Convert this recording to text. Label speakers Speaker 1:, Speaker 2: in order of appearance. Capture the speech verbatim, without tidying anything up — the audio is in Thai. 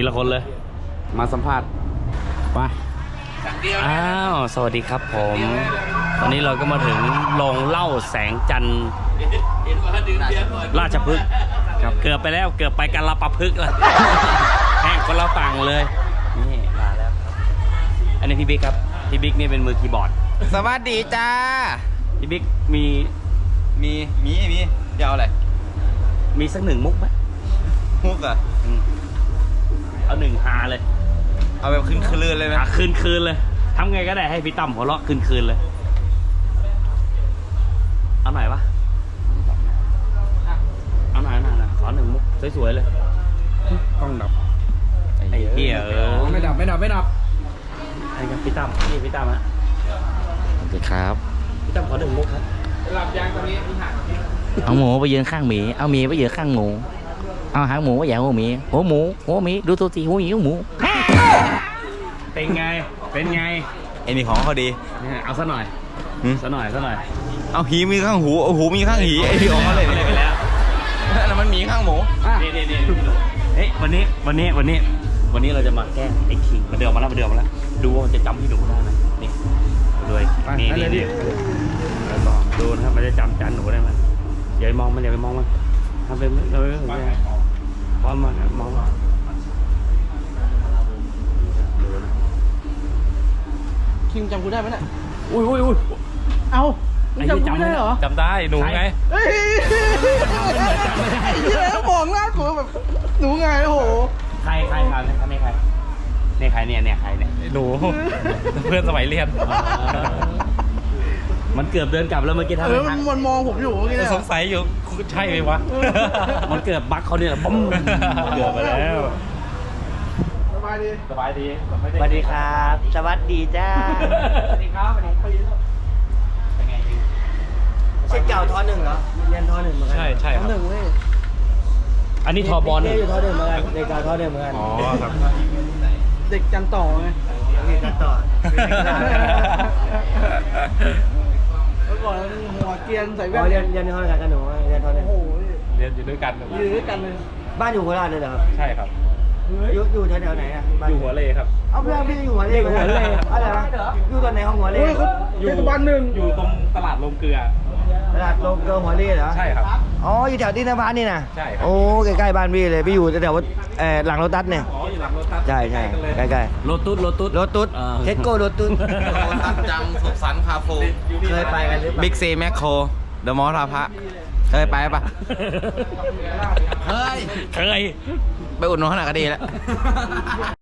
Speaker 1: ทีละคนเลยมาสัมภาษณ์ไปอ้าวสวัสดีครับผมตอนนี้เราก็มาถึงโรงเหล้าแสงจันทร์ราชพฤกษ์ครับเกือบไปแล้วเกือบไปกันละปะพฤกษ์แล้ว แห้งคนละฝั่งเลยนี่มาแล้วครับอันนี้พี่บิ๊กครับพี่บิ๊กนี่เป็นมือคีย์บอร์ด
Speaker 2: สวัสดีจ้า
Speaker 1: พี่บิ๊กมี
Speaker 2: มีมีมีเดี๋ยวอะไร
Speaker 1: มีสักหนึ่งมุกไหม
Speaker 2: มุกอ่ะ
Speaker 1: เอาหนึ่งฮาเลย
Speaker 2: เอาแบบคืนคืนเลยไหม
Speaker 1: คืนคืนเลยทำไงก็ได้ให้พี่ตั้มหัวเราะคืนคืนเลยเอาหน่อยวะเอาหน่อยหน่อยนะขอหนึ่งมุกสวยๆเลยต้องดับไอ้เหี้ยเออ
Speaker 3: ไม่ดับไม่ดับไม่ดับ
Speaker 1: ไอ้กับพี่ตั้มนี่พี่ตั้มฮะ
Speaker 2: สวัสดีครับ
Speaker 1: พี่ตั้มขอหนึ่งมุกครับ
Speaker 3: หลับยางตอนนี้มีหัก
Speaker 2: เอาหมูไปยืนข้างหมีเอาหมีไปยืนข้างหมูเอาหางหมูไปอย่างหัวหมีหัวหมูหัวหมีดูตัวสีหัวหมีหัวหมู
Speaker 1: เป็นไงเป็นไง
Speaker 2: ไอ้นี่ของเขาดี
Speaker 1: เอาซะหน่อยซะหน่อยซะหน่อย
Speaker 2: เอาหีมีข้างหูเอาหูมีข้างหีไอ้ที่ของเขาเลยไปแล้วแล้วมันมีข้างหมู
Speaker 1: นี่นี่นี่เฮ้ยวันนี้วันนี้วันนี้วันนี้เราจะมาแก้ไอ้คิงมาเดือดมาแล้วมาเดือดมาแล้วดูว่ามันจะจำพี่หนูได้ไหมนี่ดูนี่นี่นี่ดูนะครับมันจะจำจันหนูได้ไหมอย่าไปมองมันอย่าไปมองมันทำเป็นเราไม่สนใจพร้อมมันมอง
Speaker 3: คิงจำกูได้ไหมเนี่ย
Speaker 1: อุ้ยอุ้ยอุ้ย
Speaker 3: เอาจำกูได้เหรอ
Speaker 1: จำได้หนูไง
Speaker 3: เฮ้ยจำไม่ได้แล้วมองหน้ากูแบบหนูไงโอ้โห
Speaker 1: ใครใครครับนี่ใครนี่ใครเนี่ยเนี่ยใครเนี่ยหนูเพื่อนสมัยเรียนมันเกือบเดินกลับแล้วเมื่อกี้ทำไม
Speaker 3: มันมองผมอยู่เมื่อกี้
Speaker 1: สงสัยอยู่ใช่ไหมวะมันเกือบบั๊กเขาเนี่ยปุ๊มเกือบไปแล้ว
Speaker 3: สบายดี
Speaker 1: สบายดี
Speaker 2: สวัสดีครับสวัสดีจ้า
Speaker 3: สวัสดีครับสวัสดีปีแล้ว
Speaker 1: เป็นไงจริง
Speaker 2: เช็คเก่าทอหนึ่งเหรอเรียนทอหนึ่งเหมือนกัน
Speaker 1: ใช่ใช่ครับ
Speaker 3: ทอหนึ่งเว้ย
Speaker 1: อันนี้ทอบอล
Speaker 2: เนี่ยอยู่ทอหนึ่งเหมือนกันเด็กเก่าทอหนึ่งเหมือนกัน
Speaker 1: อ๋อครับ
Speaker 3: เด็กจันต่อไง
Speaker 2: เด็กจันต่อ
Speaker 3: เมื่อก่อนหัวเกียนใส่แว่น
Speaker 2: เรียนเรียนทอหนึ่งกันหนูเรียนทอหนึ่ง
Speaker 3: โอ้โห
Speaker 1: เรียนอยู่ด้วยกัน
Speaker 3: อยู่ด้วยกันเลย
Speaker 2: บ้านอยู่โคราชเลยเหรอครับ
Speaker 1: ใช่ครับ
Speaker 2: อยู่อยู่แถวไหนอ่ะ
Speaker 1: อยู่หัวเลครับ
Speaker 2: เอาเพื่อนพี่อยู่หัวเลหัวเลอะไรนะอยู่ตอนไหนของหัวเล
Speaker 3: อยู่ตบ้านหนึ่ง
Speaker 1: อยู่ตรงตลาดลงเกลือ
Speaker 2: ตลาดลงเกลือหัวเลเหรอ
Speaker 1: ใช่ครับ
Speaker 2: อ๋ออยู่แถวที่นภานี่นะ
Speaker 1: ใช่ครับ
Speaker 2: โอ้ใกล้ๆบ้านพี่เลยพี่อยู่แถวเอ่อหลังรถตัสเนี่ย
Speaker 1: อ๋ออยู่หลังรถตัส
Speaker 2: ใช่ใช่ใกล้
Speaker 1: ๆรถตุ๊ดรถตุ๊ด
Speaker 2: รถตุ๊ดเทสโก้รถตุ๊ด
Speaker 4: ตัดจังสุขสันต์คาโฟ
Speaker 2: เคยไปกันหรือเปล่า
Speaker 4: บิ๊กซีแมคโครเดอะมอลล์ท่าพระเคยไปปะ
Speaker 1: เคยเคย
Speaker 4: ไปอุดหนุนขนาดก็ดีแล้ว